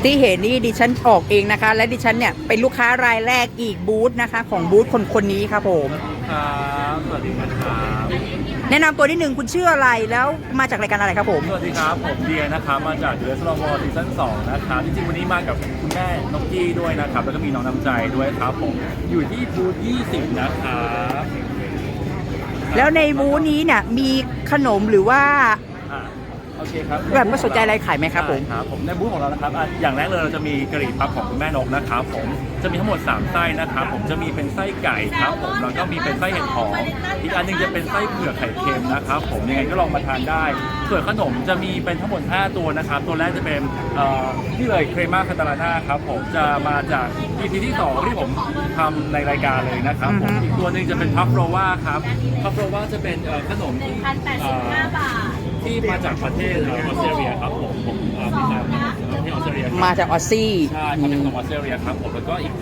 ที่เห็นนี่ดิฉันออกเองนะคะและดิฉันเนี่ยเป็นลูกค้ารายแรกอีกบูธนะคะของบูธคนนี้ครับผมครับสวัสดีครับแนะนำตัวนิดนึงคุณชื่ออะไรแล้วมาจากรายการอะไรครับผมสวัสดีครับผมเดียนะครับมาจาก The Restaurant War ซีซั่น2นะครับจริงๆวันนี้มากับคุณแม่นกกี้ด้วยนะครับแล้วก็มีน้องน้ำใจด้วยครับผมอยู่ที่บูธ20นะครับแล้วในบูธนี้เนี่ยมีขนมหรือว่าโอเคครับแบบว่าสนใจอะไรขายไหมครับผมครับผมในบูธของเรานะครับอย่างแรกเลยเราจะมีกะหรี่ปั๊บของคุณแม่นกนะครับผมจะมีทั้งหมด3ไส้นะครับผมจะมีเป็นไส้ไก่ครับผมแล้วก็มีเป็นไส้เห็ดหอมอีกอันนึงจะเป็นไส้เผือกไข่เค็มนะครับผมยังไงก็ลองมาทานได้ส่วนขนมจะมีเป็นทั้งหมด5ตัวนะครับตัวแรกจะเป็นนี่เลยเครม่าคาตาลาน่าครับผมจะมาจาก EP ที่2ที่ผมทำในรายการเลยนะครับผมอีกตัวนึงจะเป็นพัฟโรวาครับพัฟโรวาจะเป็นขนมที่มาจากประเทศออสเตรเลียครับผมมีมาจากประเทศออสเตรเลียมาจากออสซี่ใช่มาจากออสเตรเลียครับผมแล้วก็อีก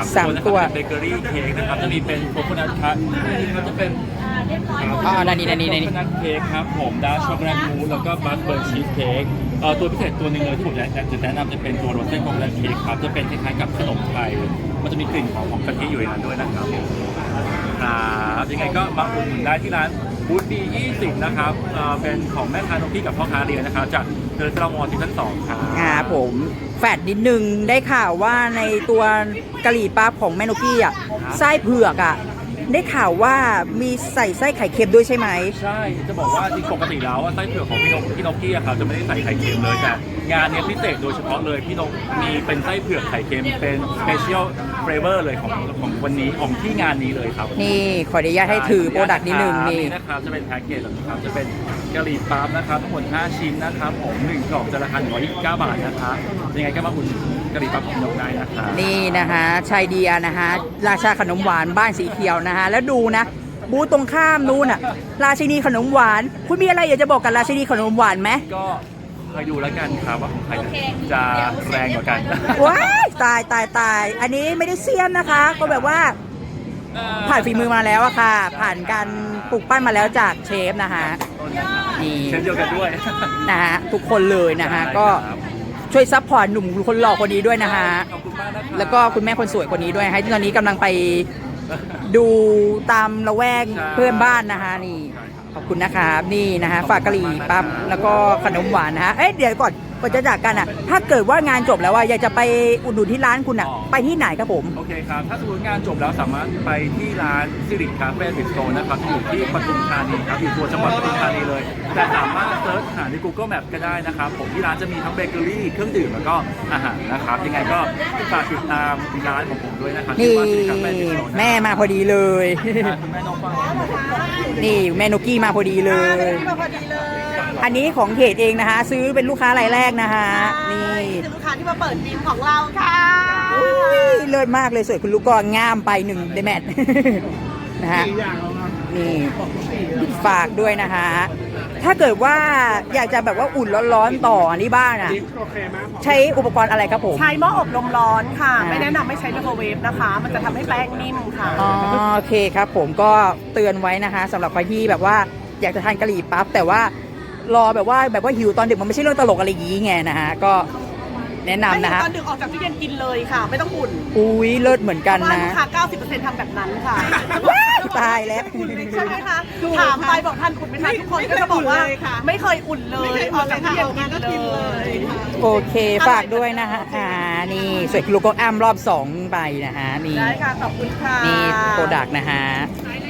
3ตัวนะครับเป็นเบเกอรี่เค้กนะครับจะมีเป็นโคโคนัทคัทนี่จะเป็นนี่โคโคนัทเค้กครับผมดาร์กช็อกโกแลตมูสแล้วก็บัสเบอร์ชีสเค้กตัวพิเศษตัวหนึ่งเลยที่ผมอยากจะแนะนำจะเป็นตัวโรสเซ่โคโคนัทเค้กครับจะเป็นคล้ายๆกับขนมไทยมันจะมีกลิ่นของกะทิอยู่ในนั้นด้วยนะครับยังไงก็มาอุดหนุนได้ที่ร้านบูธบี20นะครับเป็นของแม่ค้านกกี้กับพ่อค้าเรียนนะครับจากเดอะสตาร์มอลซีซั่น2ครับผมแฟดนิดนึงได้ข่าวว่าในตัวกะหรี่ปั๊บของแม่นกกี้อ่ะไส้เผือกอ่ะได้ข่าวว่ามีใส่ไส้ไข่เค็มด้วยใช่ไหมใช่จะบอกว่าจริงปกติแล้วไส้เผือกของพี่นกกี้ครับจะไม่ได้ใส่ไข่เค็มเลยแต่งานนี้พิเศษโดยเฉพาะเลยพี่นกมีเป็นไส้เผือกไข่เค็มเป็นสเปเชียลเฟเวอร์เลยของวันนี้ของที่งานนี้เลยครับนี่ขออนุญาตให้ถือโปรดักต์นิดนึงนี่นะครับจะเป็นแพ็กเกจแบบนี้ครับจะเป็นกะหรี่ปั๊บนะครับทั้งหมด5ชิ้นนะครับผม1กล่องจะราคา129 บาทนะครับยังไงก็มาอุ่นกะหรี่ปั๊บของนกได้นะครับนี่นะคะชายเดียนะคะราชาขนมหวานบ้านสีเขียวนะคะแล้วดูนะบูธตรงข้ามนู้นอ่ะราชินีขนมหวานคุณมีอะไรอยากจะบอกกับราชินีขนมหวานไหมก็คอยดูแล้วกันครับว่าของใครจะแรงกว่ากันว้ายตายอันนี้ไม่ได้เซียนนะคะก็แบบว่าผ่านฝีมือมาแล้วอะค่ะผ่านการปลูกปั้นมาแล้วจากเชฟนะคะนี่เชฟเดียวกันด้วยนะฮะทุกคนเลยนะคะก็ช่วยซัพพอร์ตหนุ่มคนหล่อคนนี้ด้วยนะคะแล้วก็คุณแม่คนสวยคนนี้ด้วยให้ที่ตอนนี้กำลังไปดูตามละแวกเพื่อนบ้านนะคะนี่ขอบคุณนะคะนี่นะคะฝากกะหรี่ปั๊บแล้วก็ขนมหวานนะคะเดี๋ยวก่อนจะจากกันอ่ะถ้าเกิดว่างานจบแล้วว่าอยากจะไปอุดหนุนที่ร้านคุณอ่ะไปที่ไหนครับผมโอเคครับถ้าสมมติงานจบแล้วสามารถไปที่ร้านซิริคาเฟ่บิสโตนะครับอยู่ที่ปทุมธานีครับอยู่ตัวจังหวัดปทุมธานีเลยแต่สามารถเซิร์ชหาใน Google Map ก็ได้นะครับผมที่ร้านจะมีทั้งเบเกอรี่เครื่องดื่มแล้วก็อาหารนะครับยังไงก็ฝากติดตามร้านของผมด้วยนะครับนี่แม่มาพอดีเลยแม่น้องฟังนี่แม่นกกี้มาพอดีเลยอันนี้ของเขตเองนะคะซื้อเป็นลูกค้ารายแรกนะคะนี่ลูกค้าที่มาเปิดบินของเราค่ะเลิศมากเลยสวยคุณลูกก็งามไป1เดแมทนะฮะนี่ฝากด้วยนะคะถ้าเกิดว่าอยากจะแบบว่าอุ่นร้อนๆต่อที่บ้านอ่ะใช้อุปกรณ์อะไรครับผมใช้หม้ออบลมร้อนค่ะไม่แนะนำไม่ใช้ไมโครเวฟนะคะมันจะทำให้แป้งนิ่มค่ะโอเคครับผมก็เตือนไว้นะคะสำหรับใครที่แบบว่าอยากจะทานกะหรี่ปั๊บแต่ว่ารอแบบว่าหิวตอนดึกมันไม่ใช่เรื่องตลกอะไรอย่างงี้ไงนะฮะก็แนะนำนะฮะตอนดึกออกจากตู้เย็นกินเลยค่ะไม่ต้องอุ่นอุ้ยเลิศเหมือนกันนะลูกค้า 90% ทำแบบนั้นค่ะตายแล้วใช่ไหมคะถามไปบอกท่านอุ่นไหมคะทุกคนก็จะบอกว่าไม่เคยอุ่นเลยออกจากตู้เย็นกินเลยโอเคฝากด้วยนะคะนี่สวยลูกก็อ้ำรอบ2ไปนะฮะนี่ได้ค่ะขอบคุณค่ะนี่โปรดักต์นะฮะ